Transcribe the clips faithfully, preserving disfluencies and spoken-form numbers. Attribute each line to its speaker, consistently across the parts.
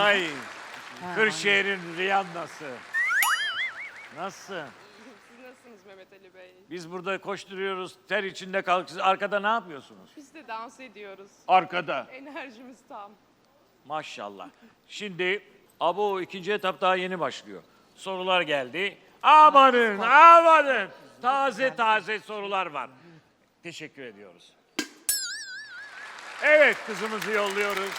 Speaker 1: Ay. Kırşehir'in Rihanna'sı. Nasılsın?
Speaker 2: Siz nasılsınız Mehmet Ali Bey?
Speaker 1: Biz burada koşturuyoruz, ter içinde kalk. Siz arkada ne yapıyorsunuz?
Speaker 2: Biz de dans ediyoruz.
Speaker 1: Arkada.
Speaker 2: Enerjimiz tam.
Speaker 1: Maşallah. Şimdi abo ikinci etap daha yeni başlıyor. Sorular geldi. Amanın, amanın. Taze taze sorular var. Teşekkür ediyoruz. Evet, kızımızı yolluyoruz.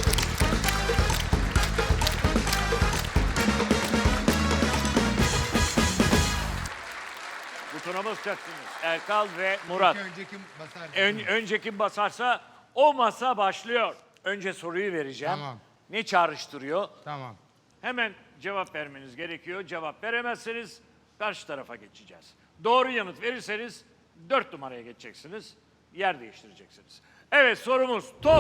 Speaker 1: Butona basacaksınız. Erkal ve Murat.
Speaker 3: Önce kim basar?
Speaker 1: Ön, önce kim basarsa o masa başlıyor. Önce soruyu vereceğim.
Speaker 3: Tamam.
Speaker 1: Ne çağrıştırıyor?
Speaker 3: Tamam.
Speaker 1: Hemen cevap vermeniz gerekiyor. Cevap veremezseniz karşı tarafa geçeceğiz. Doğru yanıt verirseniz dört numaraya geçeceksiniz. Yer değiştireceksiniz. Evet, sorumuz top.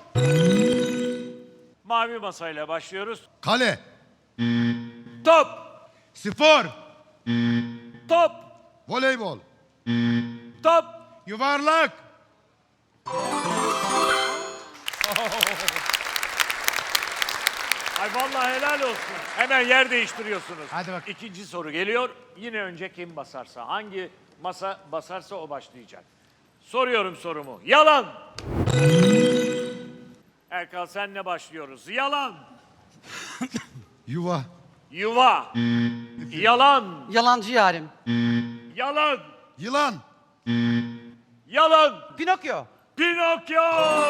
Speaker 1: Mavi masayla başlıyoruz.
Speaker 3: Kale.
Speaker 1: Top,
Speaker 3: Spor.
Speaker 1: top,
Speaker 3: Voleybol.
Speaker 1: top.
Speaker 3: Yuvarlak.
Speaker 1: Ay vallahi helal olsun. Hemen yer değiştiriyorsunuz.
Speaker 3: Hadi bak.
Speaker 1: İkinci soru geliyor. Yine önce kim basarsa, hangi masa basarsa o başlayacak. Soruyorum sorumu. Yalan. Erkal senle başlıyoruz. Yalan.
Speaker 3: Yuva.
Speaker 1: Yuva. Yalan.
Speaker 4: Yalancı yarim.
Speaker 1: Yalan.
Speaker 3: Yılan.
Speaker 1: Yalan.
Speaker 4: Pinokyo.
Speaker 1: Pinokyo.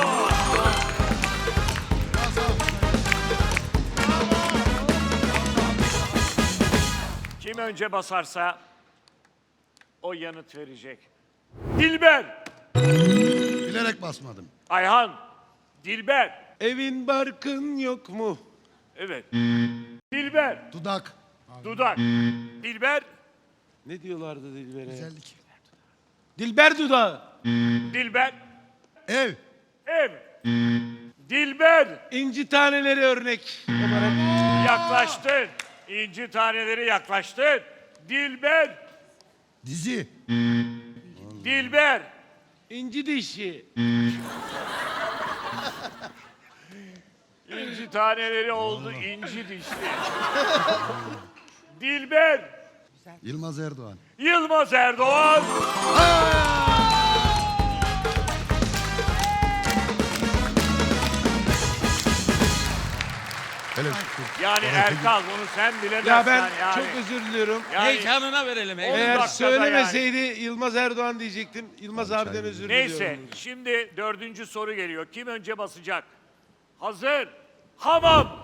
Speaker 1: Kim önce basarsa o yanıt verecek. Dilber.
Speaker 3: Bilerek basmadım.
Speaker 1: Ayhan. Dilber.
Speaker 5: Evin barkın yok mu?
Speaker 1: Evet. Dilber.
Speaker 3: Dudak.
Speaker 1: Dudak. Dilber.
Speaker 5: Ne diyorlardı Dilber'e?
Speaker 3: Güzellik.
Speaker 5: Dilber dudağı.
Speaker 1: Dilber.
Speaker 3: Ev.
Speaker 1: Ev. Dilber.
Speaker 5: İnci taneleri örnek olarak.
Speaker 1: Yaklaştın. İnci taneleri yaklaştın. Dilber.
Speaker 3: Dizi.
Speaker 1: Dilber.
Speaker 5: İnci dişi.
Speaker 1: İnci taneleri oldu inci dişli. Dilber.
Speaker 3: Yılmaz Erdoğan.
Speaker 1: Yılmaz Erdoğan.
Speaker 3: Hele
Speaker 1: Yani Erkal bunu sen bilemezsen
Speaker 5: Ya ben
Speaker 1: yani.
Speaker 5: çok özür diliyorum.
Speaker 1: Yani
Speaker 6: Heyecanına verelim.
Speaker 1: on
Speaker 5: Eğer
Speaker 1: dakikada
Speaker 5: söylemeseydi Yılmaz Erdoğan diyecektim. Yılmaz abiden özür
Speaker 1: yani.
Speaker 5: diliyorum.
Speaker 1: Neyse şimdi dördüncü soru geliyor. Kim önce basacak? Hazır. Hamam.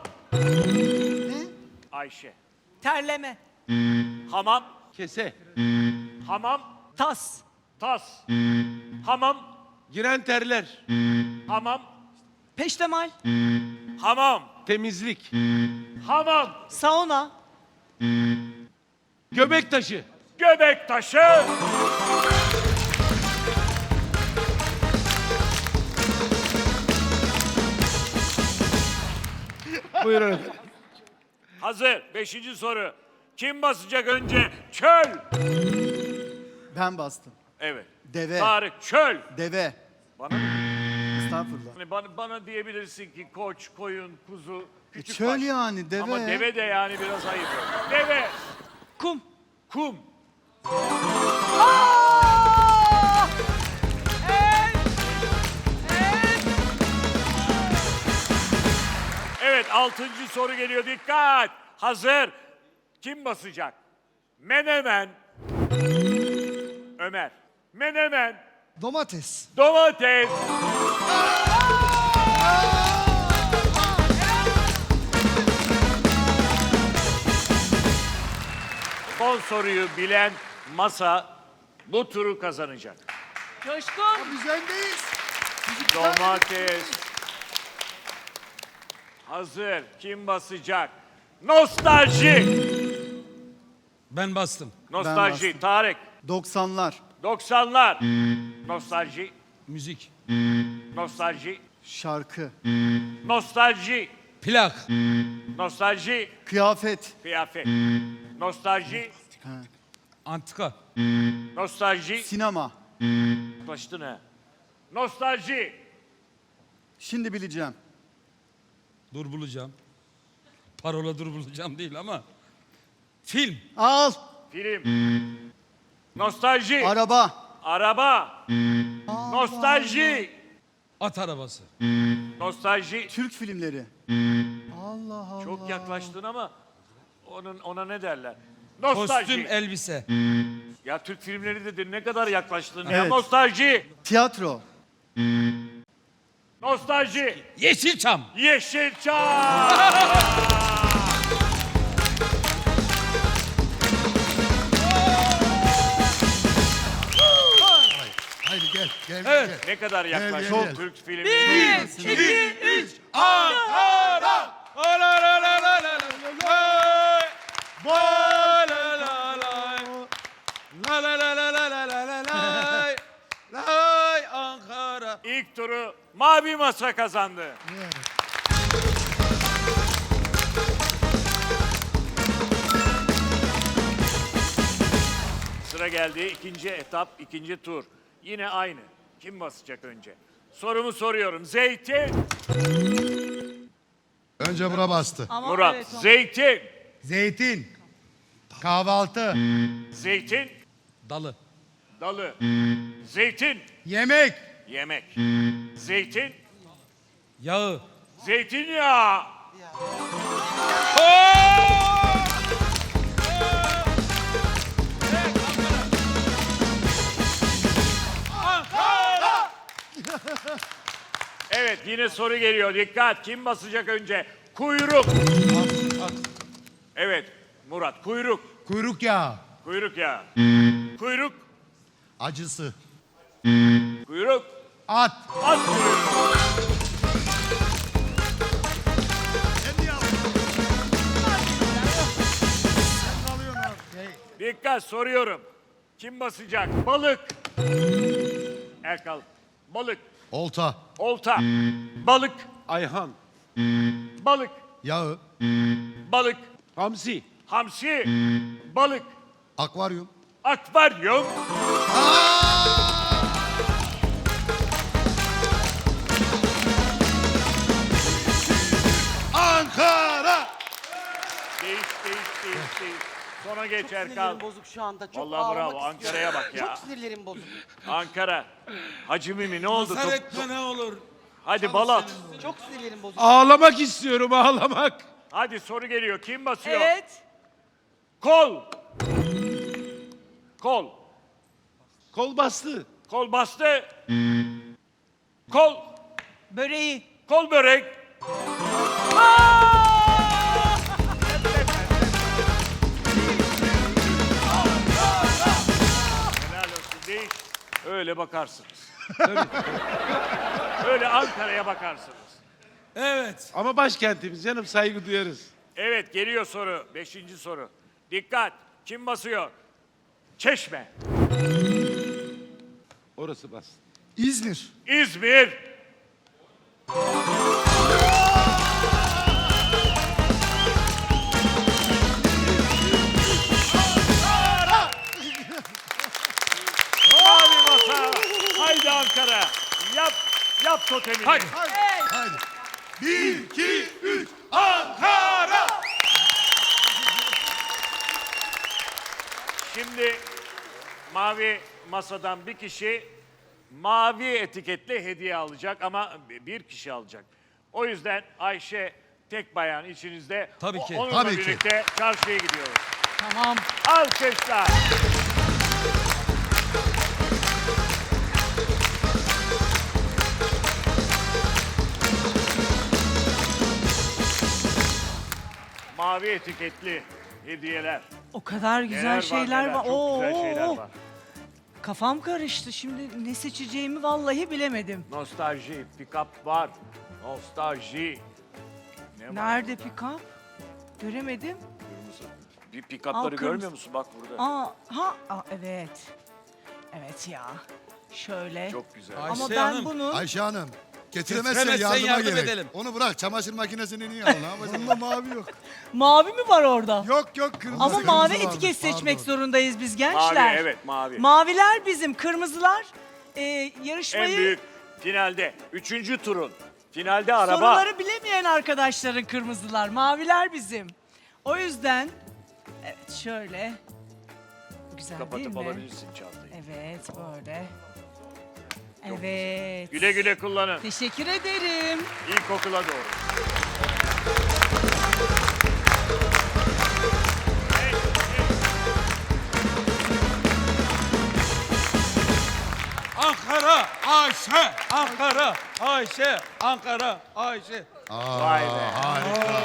Speaker 1: Ayşe.
Speaker 4: Terleme.
Speaker 1: Hamam.
Speaker 5: Kese.
Speaker 1: Hamam.
Speaker 4: Tas.
Speaker 1: Tas. Hamam.
Speaker 5: Giren terler.
Speaker 1: Hamam.
Speaker 4: Peştemal.
Speaker 1: Hamam.
Speaker 5: Temizlik.
Speaker 1: Hamam.
Speaker 4: Sauna.
Speaker 5: Göbek taşı.
Speaker 1: Göbek taşı.
Speaker 5: Buyurun efendim.
Speaker 1: Hazır. Beşinci soru. Kim basacak önce? Çöl.
Speaker 7: Ben bastım.
Speaker 1: Evet.
Speaker 7: Deve.
Speaker 1: Tarık çöl.
Speaker 7: Deve.
Speaker 1: Bana mı?
Speaker 7: Estağfurullah.
Speaker 1: Hani bana, bana diyebilirsin ki koç, koyun, kuzu, küçük
Speaker 7: çöl
Speaker 1: baş.
Speaker 7: yani, deve.
Speaker 1: Ama deve de yani biraz ayıp. Deve.
Speaker 4: Kum.
Speaker 1: Kum. Evet, altıncı soru geliyor. Dikkat. Hazır. Kim basacak? Menemen. Ömer. Menemen.
Speaker 7: Domates.
Speaker 1: Domates. Son soruyu bilen masa bu turu kazanacak.
Speaker 4: Coşkun.
Speaker 7: Biz öndeyiz.
Speaker 1: Domates. Hazır. Kim basacak? Nostalji.
Speaker 6: Ben bastım.
Speaker 1: Nostalji.
Speaker 7: bastım.
Speaker 1: Tarık.
Speaker 7: doksanlar.
Speaker 1: doksanlar. Nostalji.
Speaker 6: Müzik.
Speaker 1: Nostalji.
Speaker 7: Şarkı.
Speaker 1: Nostalji.
Speaker 6: Plak.
Speaker 1: Nostalji.
Speaker 7: Kıyafet.
Speaker 1: Kıyafet. Nostalji.
Speaker 7: Ha.
Speaker 6: Antika.
Speaker 1: Nostalji.
Speaker 7: Sinema.
Speaker 1: Yaklaştın ha. Nostalji.
Speaker 7: Şimdi bileceğim.
Speaker 6: Dur bulacağım. Parola dur bulacağım değil ama. Film.
Speaker 7: Al.
Speaker 1: Film. Nostalji.
Speaker 7: Araba.
Speaker 1: Araba. Nostalji.
Speaker 6: At arabası.
Speaker 1: Nostalji.
Speaker 7: Türk filmleri. Allah Allah.
Speaker 1: Çok yaklaştın ama onun ona ne derler? Nostalji.
Speaker 6: Kostüm, elbise.
Speaker 1: Ya Türk filmleri dedin ne kadar yaklaştın ya.
Speaker 7: Evet.
Speaker 1: Nostalji.
Speaker 7: Tiyatro.
Speaker 1: Nostalji.
Speaker 6: Yeşilçam.
Speaker 1: Yeşilçam.
Speaker 3: Haydi gel. Gel
Speaker 6: Evet.
Speaker 3: gel.
Speaker 1: Ne kadar yaklaştın
Speaker 3: gel, gel.
Speaker 1: Türk filmi.
Speaker 4: Bir, iki, üç.
Speaker 6: Ankara. La la la la la la la. La la la la. La la la la la la la la la. Lay Ankara.
Speaker 1: İlk turu Mavi Masa kazandı. Sıra geldi ikinci etap, ikinci tur. Yine aynı. Kim basacak önce? Sorumu soruyorum. Zeytin,
Speaker 3: Önce bura bastı.
Speaker 4: Ama
Speaker 1: Murat.
Speaker 4: evet, o-
Speaker 1: Zeytin,
Speaker 3: Zeytin. Kahvaltı.
Speaker 1: zeytin,
Speaker 6: Dalı.
Speaker 1: dalı. Zeytin,
Speaker 3: Yemek.
Speaker 1: yemek. Zeytin,
Speaker 6: Yağı.
Speaker 1: zeytinyağı. Evet yine soru geliyor. Dikkat. Kim basacak önce? Kuyruk. Evet Murat. Kuyruk.
Speaker 3: Kuyruk yağı.
Speaker 1: Kuyruk ya. Kuyruk.
Speaker 3: Acısı.
Speaker 1: Kuyruk.
Speaker 3: At.
Speaker 1: At kuyruğu. Dikkat soruyorum. Kim basacak? Balık. Erkal. Balık.
Speaker 3: Olta.
Speaker 1: Olta. Balık.
Speaker 5: Ayhan.
Speaker 1: Balık.
Speaker 3: Yağı.
Speaker 1: Balık.
Speaker 5: Hamsi.
Speaker 1: Hamsi. Balık.
Speaker 3: Akvaryum.
Speaker 1: Akvaryum.
Speaker 3: Ankara.
Speaker 1: Değiş, değiş, değiş, değiş. Sona geç Erkal.
Speaker 8: Sinirlerim bozuk şu anda. Çok
Speaker 1: Vallahi
Speaker 8: ağlamak
Speaker 1: bravo,
Speaker 8: istiyorum.
Speaker 1: Ankara'ya bak ya.
Speaker 8: Çok sinirlerim bozuk.
Speaker 1: Ankara. Hacı Mimi ne oldu?
Speaker 6: Hasar
Speaker 1: Top-
Speaker 6: etme ne olur.
Speaker 1: Hadi balat.
Speaker 8: Çok sinirlerim bozuk.
Speaker 5: Ağlamak istiyorum ağlamak.
Speaker 1: Hadi soru geliyor. Kim basıyor?
Speaker 4: Evet.
Speaker 1: Kol. Kol.
Speaker 5: Kol bastı.
Speaker 1: Kol bastı. Kol.
Speaker 4: Böreği.
Speaker 1: Kol börek. Helal olsun değil. Öyle bakarsınız. Öyle Ankara'ya bakarsınız.
Speaker 6: Evet.
Speaker 5: Ama başkentimiz canım, saygı duyarız.
Speaker 1: Evet geliyor soru. Beşinci soru. Dikkat. Kim basıyor? Çeşme.
Speaker 5: Orası bastı.
Speaker 3: İzmir.
Speaker 1: İzmir. Mavi masa. Haydi Ankara. Yap, yap totemini.
Speaker 6: Hadi.
Speaker 3: Haydi. Bir, iki, üç.
Speaker 1: Ankara. Şimdi mavi masadan bir kişi mavi etiketli hediye alacak ama bir kişi alacak. O yüzden Ayşe tek bayan içinizde.
Speaker 6: Tabii ki.
Speaker 1: Onunla
Speaker 3: Tabii ki.
Speaker 1: birlikte çarşıya gidiyoruz.
Speaker 4: Tamam.
Speaker 1: Alkışlar. Mavi etiketli hediyeler.
Speaker 4: O kadar güzel
Speaker 1: Neler
Speaker 4: şeyler
Speaker 1: neler,
Speaker 4: var.
Speaker 1: Çok güzel
Speaker 4: Oo,
Speaker 1: şeyler
Speaker 4: oo.
Speaker 1: var.
Speaker 4: Kafam karıştı. Şimdi ne seçeceğimi vallahi bilemedim.
Speaker 1: Nostalji, pick-up var. Nostalji. Ne var
Speaker 4: Nerede
Speaker 1: burada?
Speaker 4: pick-up? Göremedim.
Speaker 1: Kırmızı. Bir pick-up'ları
Speaker 4: Al, kırmızı.
Speaker 1: görmüyor musun? Bak burada.
Speaker 4: Aa, ha, aa, evet. Evet ya. Şöyle.
Speaker 1: Çok güzel.
Speaker 6: Ay-
Speaker 4: Ama
Speaker 6: Ayşe
Speaker 4: ben
Speaker 6: Hanım.
Speaker 4: bunun
Speaker 3: Ayşe Hanım. Getiremezsen
Speaker 6: Getiremezsen
Speaker 3: yardıma
Speaker 6: yardım
Speaker 3: gerek.
Speaker 6: edelim.
Speaker 3: Onu bırak. Çamaşır makinesini niye al? Ne yapacaksın? Bunda mavi yok.
Speaker 4: mavi mi var orada?
Speaker 3: Yok yok kırmızı.
Speaker 4: Ama
Speaker 3: kırmızı
Speaker 4: mavi
Speaker 3: varmış,
Speaker 4: etiket seçmek
Speaker 3: pardon.
Speaker 4: zorundayız biz
Speaker 1: Mavi,
Speaker 4: gençler.
Speaker 1: evet mavi.
Speaker 4: Maviler bizim, kırmızılar e,
Speaker 1: En
Speaker 4: yarışmayı
Speaker 1: büyük finalde. Üçüncü turun Finalde araba.
Speaker 4: Soruları bilemeyen arkadaşların kırmızılar, maviler bizim. O yüzden evet şöyle güzel değil
Speaker 1: Kapatıp
Speaker 4: mi?
Speaker 1: alabilirsin çantayı.
Speaker 4: Evet böyle. Evet.
Speaker 1: Güle güle kullanın.
Speaker 4: Teşekkür ederim.
Speaker 1: İlkokula doğru.
Speaker 6: Ankara, Ayşe, Ankara, Ayşe, Ankara, Ayşe.
Speaker 3: Aa,
Speaker 1: Vay be.
Speaker 3: Harika.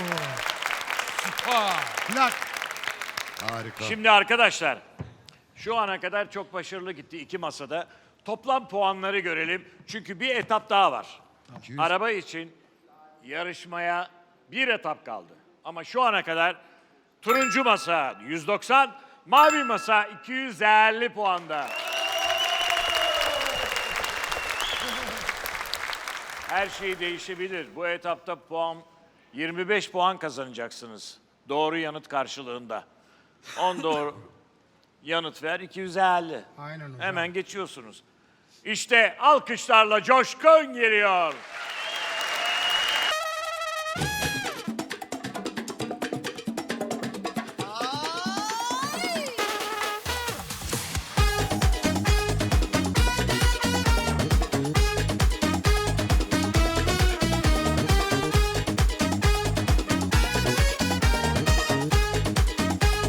Speaker 6: Vay.
Speaker 3: Plak. Harika.
Speaker 1: Şimdi arkadaşlar, şu ana kadar çok başarılı gitti iki masada. Toplam puanları görelim. Çünkü bir etap daha var.
Speaker 3: iki yüz.
Speaker 1: Araba için yarışmaya bir etap kaldı. Ama şu ana kadar turuncu masa yüz doksan, mavi masa iki yüz elli puanda. Her şey değişebilir. Bu etapta puan yirmi beş puan kazanacaksınız. Doğru yanıt karşılığında. on doğru yanıt ver iki yüz elli.
Speaker 3: Aynen hocam.
Speaker 1: Hemen geçiyorsunuz. İşte alkışlarla Coşkun geliyor.